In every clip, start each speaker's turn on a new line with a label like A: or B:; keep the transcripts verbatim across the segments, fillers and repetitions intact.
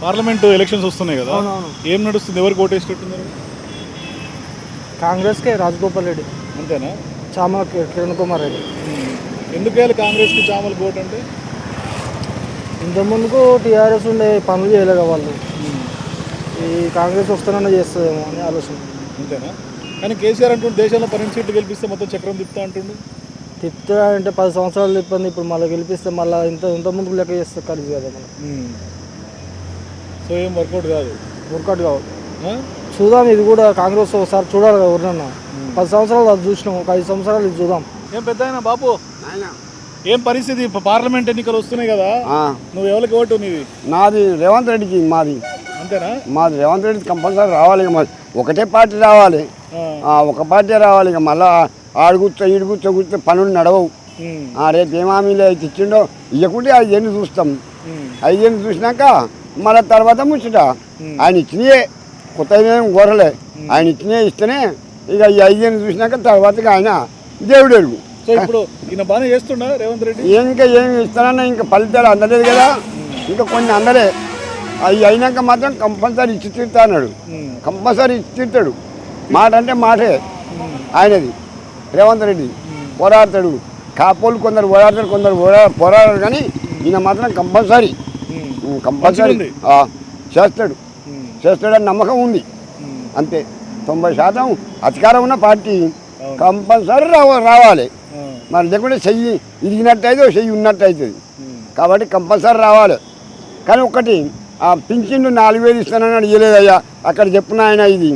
A: Parliament elections వస్తున్నాయి కదా, ఏం నడుస్తుంది? ఎవరికి ఓటేసేటట్టున్నారు?
B: కాంగ్రెస్కే రాజగోపాల్ రెడ్డి.
A: అంతేనా?
B: చామల కిరణ్ కుమార్ రెడ్డి.
A: ఎందుకు వేయాలి కాంగ్రెస్కి చామల ఓటు అంటే?
B: ఇంతకుముందుకు టీఆర్ఎస్ ఉండే పనులు చేయలేక వాళ్ళు, ఈ కాంగ్రెస్ వస్తానన్నా చేస్తుందేమో అని ఆలోచన.
A: అంతేనా? కానీ కేసీఆర్ అంటుండే దేశంలో పన్నెండు సీట్లు గెలిపిస్తే మొత్తం చక్రం తిప్పుతా అంటుండు.
B: తిప్పుతా అంటే పది సంవత్సరాలు తిప్పింది, ఇప్పుడు మళ్ళీ గెలిపిస్తే మళ్ళీ ఇంత ఇంత ముందుకు లెక్క చేస్తే కలిసి కదా మనం.
A: సో ఏం వర్కౌట్ కాదు,
B: వర్కౌట్ కావాలి. చూద్దాం, ఇది కూడా కాంగ్రెస్ ఒకసారి చూడాలి కదా. ఎవరినన్నా పది సంవత్సరాలు అది చూసినాం, ఒక ఐదు సంవత్సరాలు ఇది చూద్దాం.
A: ఏం పెద్ద అయినా బాబు, ఏం పరిస్థితి? పార్లమెంట్ ఎన్నికలు వస్తున్నాయి కదా, నువ్వు ఎవరికి ఓటు? నీది?
C: నాది రేవంత్ రెడ్డికి. మాది
A: అంతేనా?
C: మాది రేవంత్ రెడ్డి కంపల్సరీ రావాలి. ఇక మాది ఒకటే పార్టీ రావాలి, ఒక పార్టీ రావాలి. ఇక మళ్ళీ ఆడు కూర్చో ఈడు కూర్చో కూర్చో పనులు నడవవు. రేపు ఏం హామీలు అయితే ఇచ్చిండో ఇవ్వకుంటే ఐదేళ్ళు చూస్తాం. ఐదేళ్ళు చూసినాక మళ్ళీ తర్వాత ముచ్చట. ఆయన ఇచ్చినయే, కొత్త ఏం కోరలే, ఆయన ఇచ్చినయే ఇస్తేనే ఇక ఈ ఐదేళ్ళు చూసినాక తర్వాత ఆయన దేవుడు ఎరుగు.
A: సో ఇప్పుడు ఈయన బాగానే చేస్తుండ రేవంత్ రెడ్డి.
C: ఇంకా ఏమి ఇస్తానన్నా ఇంకా ఫలితాలు అందలేదు కదా, ఇంకా కొన్ని అందలే. అవి అయినాక మాత్రం కంపల్సరీ ఇచ్చి తీరుతా అన్నాడు. కంపల్సరీ ఇచ్చి తీరుతాడు. మాట అంటే మాటే ఆయనది. రేవంత్ రెడ్డి పోరాడతాడు. కాపోలు కొందరు పోరాడతారు, కొందరు పోరాడరు, కానీ ఈయన మాత్రం కంపల్సరీ కంపల్సరీ చేస్తాడు చేస్తాడని నమ్మకం ఉంది. అంతే. తొంభై శాతం అధికారం ఉన్న పార్టీ కంపల్సరీ రావ రావాలి మరి. లేకుంటే చెయ్యి ఇరిగినట్టు అయితే చెయ్యి ఉన్నట్టు అవుతుంది. కాబట్టి కంపల్సరీ రావాలి. కానీ ఒకటి ఆ పింఛన్లు నాలుగు వేలు ఇస్తానని ఇవ్వలేదయ్యా, అక్కడ చెప్పిన ఆయన ఇది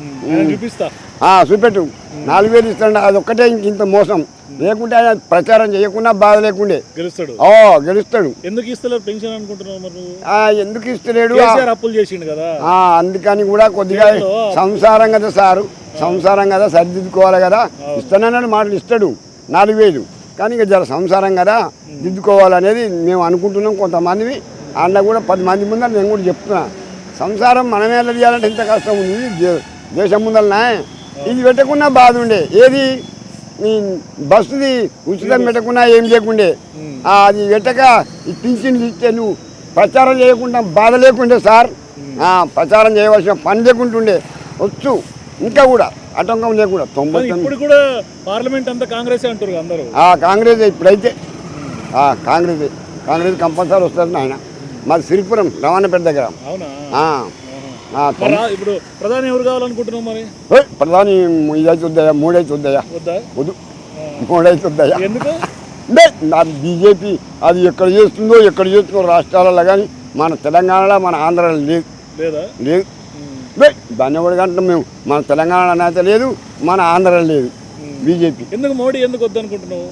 C: చూపెట్టు. నాలుగు వేలు ఇస్తాడు, అది ఒక్కటే ఇంక ఇంత మోసం. లేకుంటే ఆయన ప్రచారం చేయకుండా బాధ లేకుండే గెలుస్తాడు. ఓ గెలుస్తాడు.
A: ఎందుకు ఇస్తలేడు పెన్షన్ అనుకుంటున్నావు?
C: ఎందుకు ఇస్తలేడు?
A: అప్పులు చేసిండు కదా,
C: అందుకని కూడా కొద్దిగా సంసారం కదా సారు, సంసారం కదా సరిదిద్దుకోవాలి కదా. ఇస్తానన్నాడు, మాటలు ఇస్తాడు నాలుగు వేలు. కానీ ఇక జర సంసారం కదా దిద్దుకోవాలనేది మేము అనుకుంటున్నాం. కొంతమంది అన్న కూడా పది మంది ముందర నేను కూడా చెప్తున్నా, సంసారం మనమే ఎలా చేయాలంటే ఇంత కష్టం ఉంది దేశం ముందరనే. ఇది పెట్టకుండా బాధ ఉండే, ఏది బస్సుది ఉచితం పెట్టకుండా ఏం చేయకుండే, అది పెట్టక ఈ పింఛన్లు ఇస్తే నువ్వు ప్రచారం చేయకుండా బాధ లేకుండే సార్. ప్రచారం చేయవలసిన పని లేకుంటుండే వచ్చు. ఇంకా కూడా ఆటంకం లేకుండా తొంభై
A: ఇప్పుడు కూడా పార్లమెంట్ అంతా కాంగ్రెస్ అంటారు అందరూ.
C: కాంగ్రెస్ ఇప్పుడైతే కాంగ్రెస్ కాంగ్రెస్ కంపల్సరీ వస్తుంది. ఆయన మాది సిరిపురం రవాణాపేట దగ్గర.
A: ఇప్పుడు ప్రధాని ఎవరు కావాలనుకుంటున్నావు మరి?
C: ప్రధాని ఇదైతే వద్దయా, మూడైతే వద్దయా, వద్దు మూడైతే వద్దయా.
A: ఎందుకు?
C: అది బీజేపీ అది ఎక్కడ చేస్తుందో ఎక్కడ చేస్తుందో రాష్ట్రాలలో, కానీ మన తెలంగాణలో మన ఆంధ్రాలో లేదు లేదు దాన్ని ఎవరు కంటే మేము మన తెలంగాణలో అయితే లేదు, మన ఆంధ్రాలో లేదు బీజేపీ.
A: ఎందుకు మోడీ ఎందుకు వద్దనుకుంటున్నావు?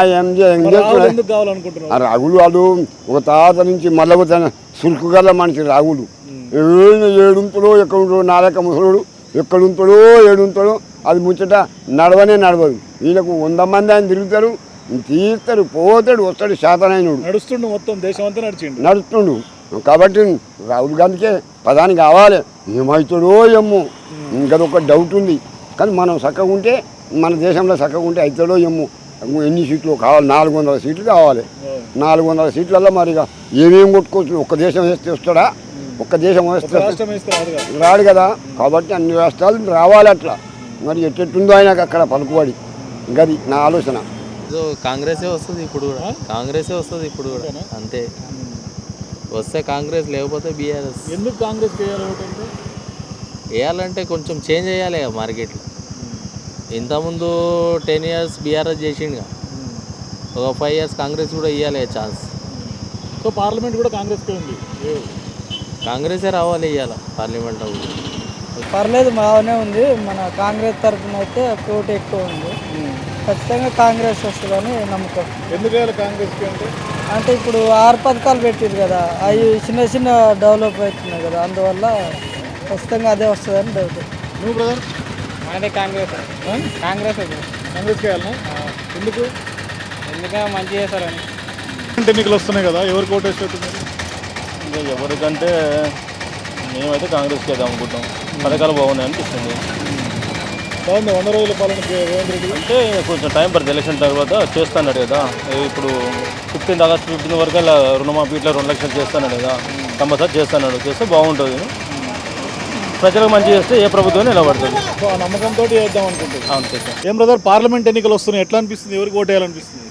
C: రాగులు వాడు ఒక తాత నుంచి మళ్ళీ సురుకు గల మనిషి రాగులు. ఏడుంతడో ఎక్కడుంటాడో, నాలక ముసలుడు ఎక్కడుంటాడో ఏడుంటాడో అది ముచ్చట నడవనే నడవదు. వీళ్ళకు వంద మంది ఆయన తిరుగుతారు, తీస్తాడు, పోతాడు, వస్తాడు. శాతనైనడు
A: నడుస్తుండు, మొత్తం దేశం అంతా నడిచిండు
C: నడుస్తుండు. కాబట్టి రాహుల్ గాంధీకే ప్రధాని కావాలి. ఏమవుతాడో ఏమో, ఇంకా ఒక డౌట్ ఉంది. కానీ మనం చక్కగా ఉంటే, మన దేశంలో చక్కగా ఉంటే అవుతాడో ఏమో. ఎన్ని సీట్లు కావాలి? నాలుగు వందల సీట్లు కావాలి. నాలుగు వందల సీట్లలో మరి ఏమేమి కొట్టుకోవచ్చు? ఒక్క దేశం వేస్తే వస్తాడా? ఒక్క దేశం వేస్తే రాడు కదా. కాబట్టి అన్ని రాష్ట్రాలు రావాలి అట్లా. మరి ఎట్టెట్టుందో ఆయనకు అక్కడ పలుకుబడి. గది నా ఆలోచన.
D: కాంగ్రెసే వస్తుంది ఇప్పుడు కూడా, కాంగ్రెసే వస్తుంది ఇప్పుడు కూడా. అంతే, వస్తే కాంగ్రెస్, లేకపోతే బీఆర్ఎస్.
A: ఎందుకు కాంగ్రెస్
D: వేయాలంటే కొంచెం చేంజ్ చేయాలి కదా మార్కెట్లో. ఇంతకుముందు టెన్ ఇయర్స్ బీఆర్ఎస్ చేసిండుగా, ఒక ఫైవ్ ఇయర్స్ కాంగ్రెస్ కూడా ఇవ్వాలి ఛాన్స్.
A: సో పార్లమెంట్ కూడా కాంగ్రెస్కే ఉంది,
D: కాంగ్రెసే రావాలి ఇవ్వాలి పార్లమెంట్.
B: పర్లేదు, బాగానే ఉంది. మన కాంగ్రెస్ తరఫున అయితే పోటీ ఎక్కువ ఉంది. ఖచ్చితంగా కాంగ్రెస్ వస్తుందని నమ్మకం.
A: ఎందుకు కాంగ్రెస్కి అంటే
B: అంటే ఇప్పుడు ఆరు పథకాలు పెట్టారు కదా, అవి చిన్న చిన్న డెవలప్ అవుతున్నాయి కదా, అందువల్ల ఖచ్చితంగా అదే వస్తుందని డౌట్.
A: నువ్వు బ్రదర్?
B: అదే కాంగ్రెస్ కాంగ్రెస్
A: కాంగ్రెస్కి వెళ్ళాలి. ఎందుకు?
B: ఎందుకంటే మంచి చేస్తారని.
A: ఎన్నికలు వస్తున్నాయి కదా, ఎవరికి ఓటు వేసేట్టున్నారు?
E: ఇంకా ఎవరికంటే మేమైతే కాంగ్రెస్కి వేద్దాం అనుకుంటాం. పథకాలు బాగున్నాయి అనిపిస్తుంది.
A: బాగుంది. వంద రోజుల పాలన రేవంత్ రెడ్డి
E: అంటే కొంచెం టైం పడుతుంది. ఎలక్షన్ తర్వాత చేస్తాన్నాడు కదా. ఇప్పుడు ఫిఫ్టీన్త్ ఆగస్ట్ ఫిఫ్టీన్త్ వరకు అలా రుణమాఫీ ఇట్లా రెండు లక్షలు చేస్తాన్నాడు కదా. కంపల్సరీ చేస్తున్నాడు, చేస్తే బాగుంటుంది. ప్రజలకు మంచి చేస్తే ఏ ప్రభుత్వం నిలబడుతుంది.
A: సో ఆ నమ్మకంతో చేద్దాం అనుకుంటుంది.
E: అవును చేస్తాం.
A: ఏం బ్రదర్, పార్లమెంట్ ఎన్నికలు వస్తున్నాయి, ఎట్లా అనిపిస్తుంది? ఎవరికి ఓటు వేయాలనిపిస్తుంది?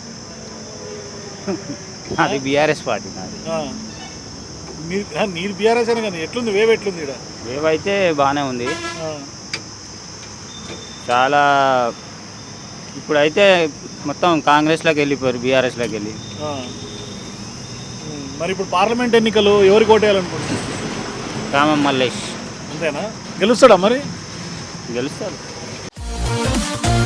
F: అది బీఆర్ఎస్ పార్టీ నాది.
A: ఆ. మీరు ఆ, మీరు బీఆర్ఎస్ అని కానీ ఎట్లుంది వేవ్ ఎట్లుంది ఇక్కడ?
F: ఏవైతే బాగానే ఉంది. చాలా ఇప్పుడైతే మొత్తం కాంగ్రెస్లోకి వెళ్ళిపోయారు, బీఆర్ఎస్లోకి వెళ్ళి.
A: మరి ఇప్పుడు పార్లమెంట్ ఎన్నికలు ఎవరికి ఓటు వేయాలనుకుంటున్నారు?
F: రామం మల్లేష్
A: అంతేనా? గెలుస్తాడా మరి?
F: గెలుస్తారు.